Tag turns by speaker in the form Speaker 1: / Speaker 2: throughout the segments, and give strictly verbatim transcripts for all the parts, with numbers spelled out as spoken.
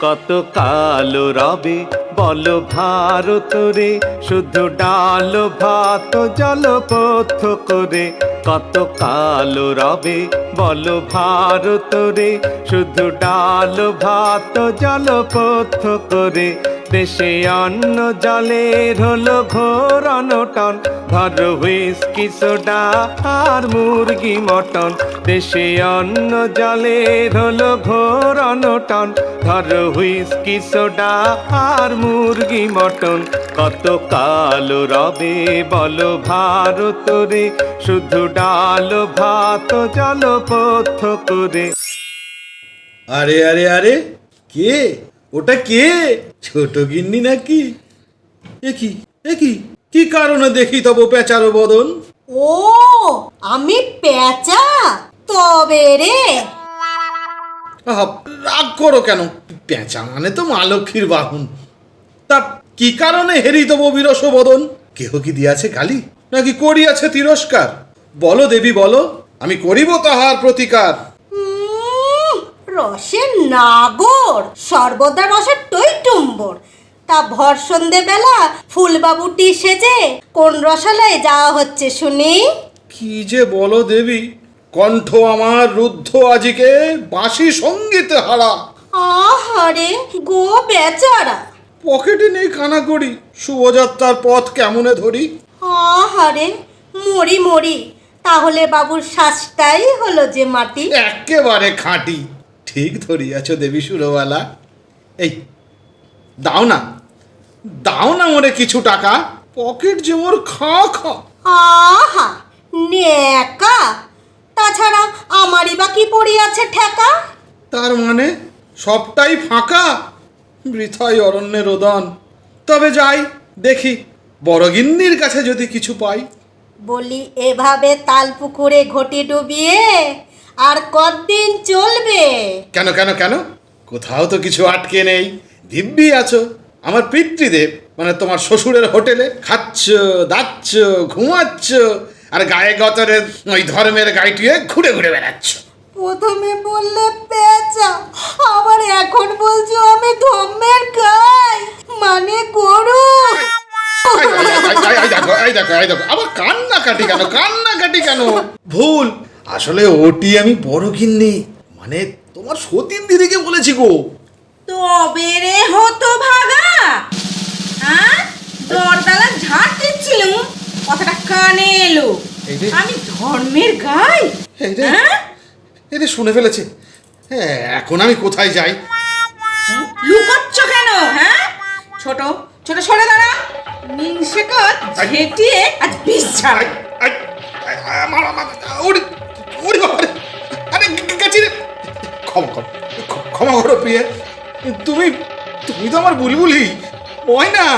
Speaker 1: কত কালো রবে বলো ভারত রে, শুধু ডাল ভাত জলপথ করে। কত কালো রবে বলো ভারত রে, শুধু ডাল ভাত জলপথ করে। দেশে অন্ন জলের হলো ঘোর অনটন, ধরো হুইস্কি সোডা আর মুরগি মটন। দেশে অন্ন জলের হলো ঘোর অনটন, ধরো হুইস্কি সোডা আর মুরগি মটন। কত কালো রবে বলো ভারত রে, শুধু ডাল ভাত জলপথ করে।
Speaker 2: আরে আরে আরে, কে ওটা? কে? ছোট গিন্নি নাকি? একই একই কি কারণে দেখি তব পেঁচারো বদন?
Speaker 3: ও আমি পেঁচা তবে রে।
Speaker 2: আহা, রাগ করো কেন? পেঁচা মানে তো মা লক্ষ্মীর বাহন। তা কি কারণে হেরি তব বিরস বদন? কেহ কি দিয়াছে গালি, নাকি করিয়াছে তিরস্কার? বলো দেবী বলো, আমি করিব তাহার প্রতিকার।
Speaker 3: রসের নাগর, সর্বদা রসের টইটুম্বর। তা ভর সন্ধে বেলা ফুলবাবুটি সেজে কোন রসালয়ে যাওয়া হচ্ছে শুনি?
Speaker 2: কি যে বলো দেবী, কণ্ঠ আমার রুদ্ধ আজিকে বাঁশি সঙ্গীতে হারা।
Speaker 3: আহারে গো বেচারা,
Speaker 2: পকেটে নেই কানা করি, শুভযাত্রার পথ কেমনে ধরি?
Speaker 3: আহারে মরি মরি, তাহলে বাবুর শ্বাসটাই হলো যে মাটি।
Speaker 2: একেবারে খাঁটি, ঠিক ধরিয়াছ দেবী সুরবালা। এই দাও না, দাও না মোরে কিছু টাকা, পকেট যে মোর খা খা।
Speaker 3: আহা নেকা, তাছাড়া আমারই বা কি পড়িয়াছে ঠেকা?
Speaker 2: তার মানে সবটাই ফাঁকা, বৃথাই অরণ্যে রোদন। তবে যাই দেখি, বড়গিন্নির কাছে যদি কিছু পাই।
Speaker 3: বলি এভাবে তাল পুকুরে ঘটি ডুবিয়ে আর কতদিন চলবে?
Speaker 2: কেন কেন কেন? কোথাও তো কিছু আটকে নেই, দিব্যি আছো আমার পিতৃদেব, মানে তোমার শ্বশুরের হোটেলে খাচ্ছ দাচ্ছ ঘুমাচ্ছ, আর গায়ে গতরে ওই ধর্মের গাইটিয়ে ঘুরে ঘুরে বেড়াচ্ছ।
Speaker 3: প্রথমে বললে পেঁচা, আবার এখন বলছো আমি ধর্মের গাই, মানে গরু।
Speaker 2: আবার কান্না কাটি কেন? কান্না কাটি কেন? ভুল, আসলে ওটি আমি বড় গিন্নি, মানে তোমার সতীন দিদিকে বলেছি গো।
Speaker 4: তবে রে হতো ভাগা, হ্যাঁ দরদালা ঝাড় দিচ্ছিলুম, কথাটা কানে এলো। আমি ধর্মের গাই? হ্যাঁ
Speaker 2: এটা শুনে ফেলেছে। হ্যাঁ, এখন আমি কোথায় যাই?
Speaker 4: লুকাচ্ছ কেন? হ্যাঁ ছোট ছোট সরে দাঁড়া, মিনসে কত ঝেঁটিয়ে আজ বিষ ছাড়।
Speaker 2: ক্ষমা কর, ক্ষমা করো প্রিয়ে, তুমি তুমি তো আমার বুলবুলি, ওই না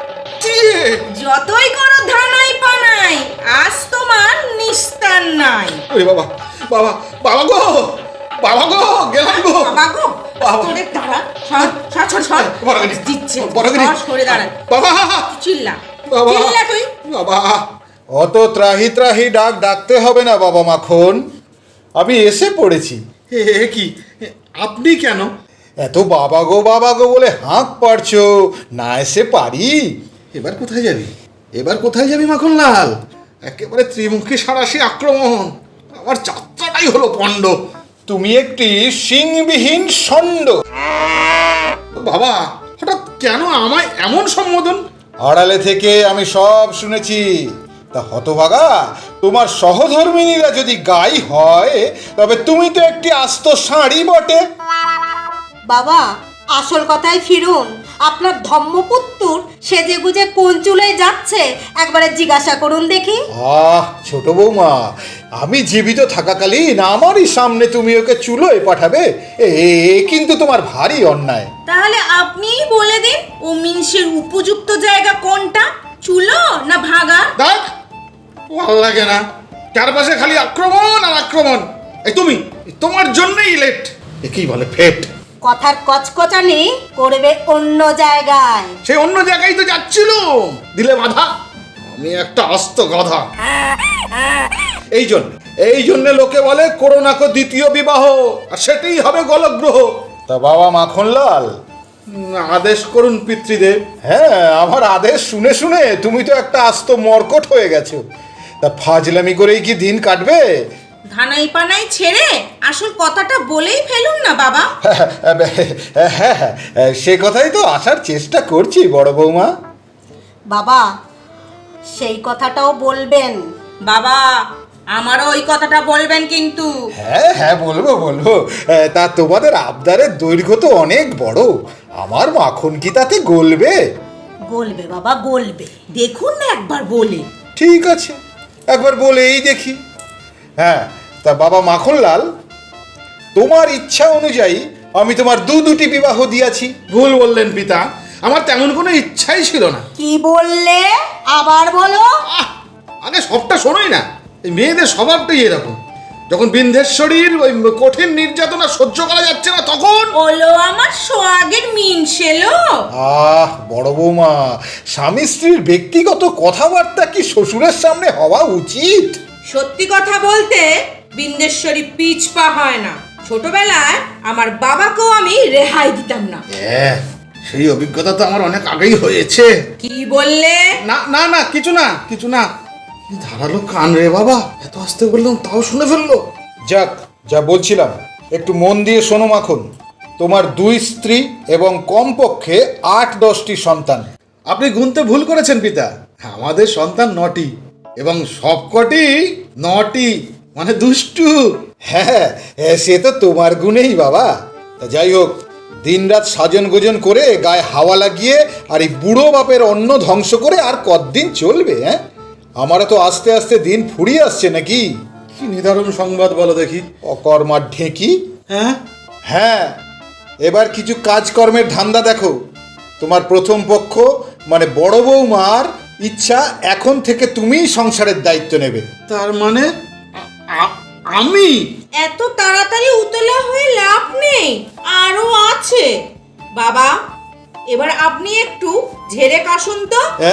Speaker 4: যতই করো ধানাই পানাই, আজ তোমার নিস্তার নাই।
Speaker 2: ওরে বাবা বাবা বাবা গো, বাবা গো, গেলাম গো।
Speaker 4: বাবা গো, তোরে দাঁড়া, সর সর সর সর,
Speaker 2: বড়গিনি
Speaker 4: দিচ্ছে
Speaker 2: বড়গিনি,
Speaker 4: সরে দাঁড়া
Speaker 2: বাবা,
Speaker 4: চিল্লা
Speaker 2: বাবা,
Speaker 4: চিল্লা তুই
Speaker 2: বাবা।
Speaker 5: অত ত্রাহি ত্রাহি ডাক ডাকতে হবে না বাবা মাখন, আমি এসে পড়েছি।
Speaker 2: এ কি, আপনি কেন?
Speaker 5: এত বাবা গো বাবা গো বলে হাঁক পারছো, না এসে পারি?
Speaker 2: এবার কোথায় যাবি? এবার কোথায় যাবি মাখনলাল? একেবারে ত্রিমুখী সাঁড়াশি আক্রমণ, আমার যাত্রাটাই হলো পণ্ড।
Speaker 5: তুমি একটি সিংবিহীন ষণ্ড।
Speaker 2: বাবা, হঠাৎ কেন আমায় এমন সম্বোধন?
Speaker 5: আড়ালে থেকে আমি সব শুনেছি। তা হতভাগা, তোমার সহধর্মিনীরা যদি গাই হয়, তবে তুমি তো একটি আস্ত ষাঁড়ি বটে।
Speaker 3: বাবা আসল কথায় ফিরুন, আপনার ধর্মপুত্তুর সেজে গুজে কোন চুলোয় যাচ্ছে একবারে জিজ্ঞাসা করুন দেখি।
Speaker 5: আহ ছোট বৌমা, আমি জীবিত থাকাকালীন আমারই সামনে তুমি ওকে চুলোয় পাঠাবে, এ কিন্তু তোমার ভারী অন্যায়।
Speaker 4: তাহলে আপনিই বলে দিন, ও মিনসের উপযুক্ত জায়গা কোনটা, চুলো না ভাগা?
Speaker 2: দেখ, ভাল লাগে না, চারপাশে খালি আক্রমণ আর আক্রমণ। এই তুমি, তোমার জন্যই লেট, একেই বলে ফেট।
Speaker 3: কথার কচকচানি করবে অন্য জায়গায়।
Speaker 2: সেই অন্য জায়গায় তো যাচ্ছিল, দিলে বাধা। আমি একটা আস্ত গাধা।
Speaker 5: এই জন্য এই জন্য লোকে বলে করোনাকে দ্বিতীয় বিবাহ, আর সেটাই হবে গলগ্রহ। তা বাবা মাখনলাল,
Speaker 2: উম, আদেশ করুন পিতৃদেব।
Speaker 5: হ্যাঁ, আমার আদেশ শুনে শুনে তুমি তো একটা আস্ত মর্কট হয়ে গেছো। তা ফাজলামি করেই কি দিন কাটবে?
Speaker 4: ধানাই পানাই ছেড়ে আসল কথাটা বলেই ফেলুন না বাবা।
Speaker 5: হ্যাঁ হ্যাঁ, সে কথাই তো আসার চেষ্টা করছি বড় বৌমা।
Speaker 3: বাবা সেই কথাটাও বলবেন।
Speaker 4: বাবা আমারও ওই কথাটা বলবেন কিন্তু।
Speaker 5: হ্যাঁ হ্যাঁ, বলবো বলবো। তা তোমাদের আবদারের দৈর্ঘ্য তো অনেক বড়, আমার মাখন কি তাতে গলবে?
Speaker 3: বলবে বাবা বলবে।
Speaker 4: দেখুন না একবার বলে।
Speaker 5: ঠিক আছে, একবার বলেই দেখি। হ্যাঁ, তা বাবা মাখনলাল, তোমার ইচ্ছা অনুযায়ী আমি তোমার দু দুটি বিবাহ দিয়াছি।
Speaker 2: ভুল বললেন পিতা, আমার তেমন কোনো ইচ্ছাই ছিল না।
Speaker 3: কি বললে আবার বলো।
Speaker 2: আহ, আগে সবটা শোনোই না। এই মেয়েদের স্বভাবটাই এরকম। যখন বিন্ধেশ্বরীর ওই কঠিন নির্যাতনা সহ্য করা যাচ্ছে না তখন
Speaker 4: ওলো আমার সোয়াগের মিনসেলো।
Speaker 5: আহ বড় বৌমা, স্বামী স্ত্রীর ব্যক্তিগত কথাবার্তা কি শ্বশুরের সামনে হওয়া উচিত?
Speaker 4: সত্যি কথা বলতে বিন্দেশ্বরী পিছপা হয় না। ছোটবেলায় আমার বাবাকেও আমি রেহাই দিতাম না।
Speaker 2: হ্যাঁ, সেই অভিজ্ঞতা তো আমার অনেক আগেই হয়েছে।
Speaker 4: কি বললে?
Speaker 2: না না না, কিছু না কিছু না। কি ধারালো কান রে বাবা, এত আস্তে বললাম তাও শুনে ফেললো।
Speaker 5: যাক, যা বলছিলাম একটু মন দিয়ে শোনো মাখন। তোমার দুই স্ত্রী এবং কমপক্ষে আট দশটি সন্তান।
Speaker 2: আপনি গুনতে ভুল করেছেন পিতা, আমাদের সন্তান নটি এবং সবকটি নটি, মানে দুষ্টু।
Speaker 5: হ্যাঁ, সে তো তোমার গুণেই বাবা। তা যাই হোক, দিনরাত সাজন গোজন করে গায়ে হাওয়া লাগিয়ে আর এই বুড়ো বাপের অন্ন ধ্বংস করে আর কতদিন চলবে? হ্যাঁ, আমারও তো আস্তে আস্তে দিন ফুরিয়ে আসছে নাকি।
Speaker 2: কি নিদারুণ সংবাদ বলো দেখি।
Speaker 5: অকর্মার ঢেঁকি।
Speaker 2: হ্যাঁ
Speaker 5: হ্যাঁ, এবার কিছু কাজকর্মের ধান্দা দেখো। তোমার প্রথম পক্ষ মানে বড় বৌমার ইচ্ছা এখন থেকে তুমিই সংসারের দায়িত্ব নেবে।
Speaker 2: তার মানে আ- আ- আমি
Speaker 4: এত তাড়াতাড়ি উতলা হয়ে লাভ নেই, আরো আছে। বাবা এবার আপনি একটু ঝেড়ে কাশুন তো।
Speaker 5: হ্যাঁ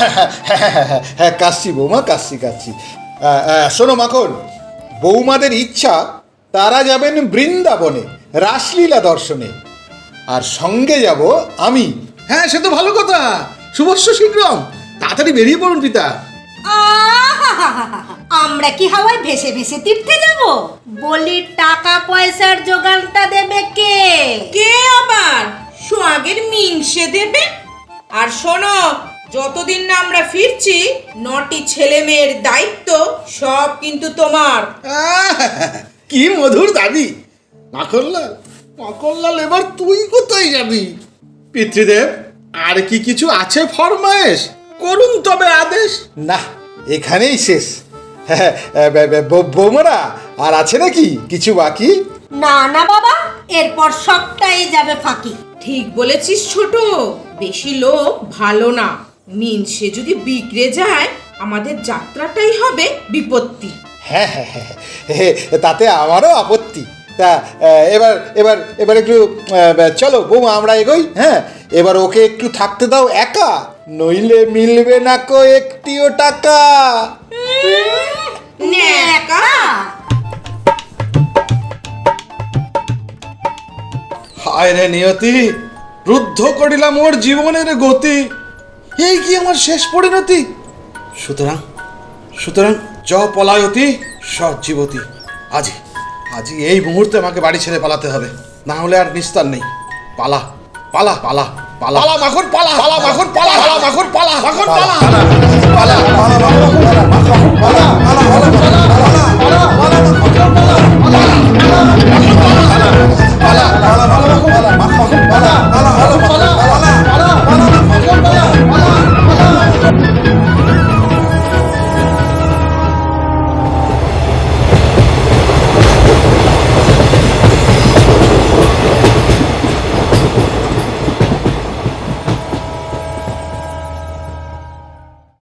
Speaker 5: হ্যাঁ, কাশছি বৌমা, কাশছি কাশছি। আহ, আহ, শোনো মাখন, বৌমাদের ইচ্ছা তারা যাবেন বৃন্দাবনে রাসলীলা দর্শনে, আর সঙ্গে যাব আমি।
Speaker 2: হ্যাঁ, সে তো ভালো কথা। শুভস্য শীঘ্রম, তাড়াতাড়ি বেরিয়ে পড়ুন পিতা।
Speaker 3: আহাহাহাহা, আমরা কি হাওয়ায় ভেসে ভেসে তীর্থে যাব? বলি টাকা পয়সার জোগানটা দেবে কে?
Speaker 4: কে আবার? সোয়াগের মিনসে দেবে। আর শোনো, যতদিন না আমরা ফিরছি নটি ছেলে মেয়ের দায়িত্ব সব কিন্তু তোমার।
Speaker 2: আহ, কি মধুর দাবি। মাখনলাল, মাখনলাল, এবার তুই কোথায় যাবি? পিতৃদেব, আর কি কিছু আছে ফরমায়েশ? করুন তবে আদেশ।
Speaker 5: না, এখানেই শেষ। হ্যাঁ, বৌমারা আর আছে নাকি কিছু বাকি?
Speaker 3: না না বাবা, এরপর সবটাই যাবে ফাঁকি।
Speaker 4: ঠিক বলেছিস ছোট, বেশি লোক ভালো না। মিনসে যদি বিগড়ে যায় আমাদের যাত্রাটাই হবে বিপত্তি।
Speaker 5: হ্যাঁ হ্যাঁ হ্যাঁ হ্যাঁ, তাতে আমারও আপত্তি। তা আহ, এবার এবার এবার একটু আহ, চলো বৌমা আমরা এগোই। হ্যাঁ, এবার ওকে একটু থাকতে দাও একা, নইলে মিলবে না কো একটিও টাকা।
Speaker 4: ন্যাকা।
Speaker 2: হায় রে নিয়তি, রুদ্ধ করিলাম ওর জীবনের গতি। এই কি আমার শেষ পরিণতি? সুতরাং সুতরাং জ পলায়তি সজ্জীবতী। আজি আজি এই মুহূর্তে আমাকে বাড়ি ছেড়ে পালাতে হবে, না হলে আর নিস্তার নেই। পালা পালা পালা পালা পালা মাখন পালা পালা মাখন পালা পালা মাখন পালা মাখন পালা পালা পালা পালা পালা পালা পালা পালা পালা পালা পালা পালা পালা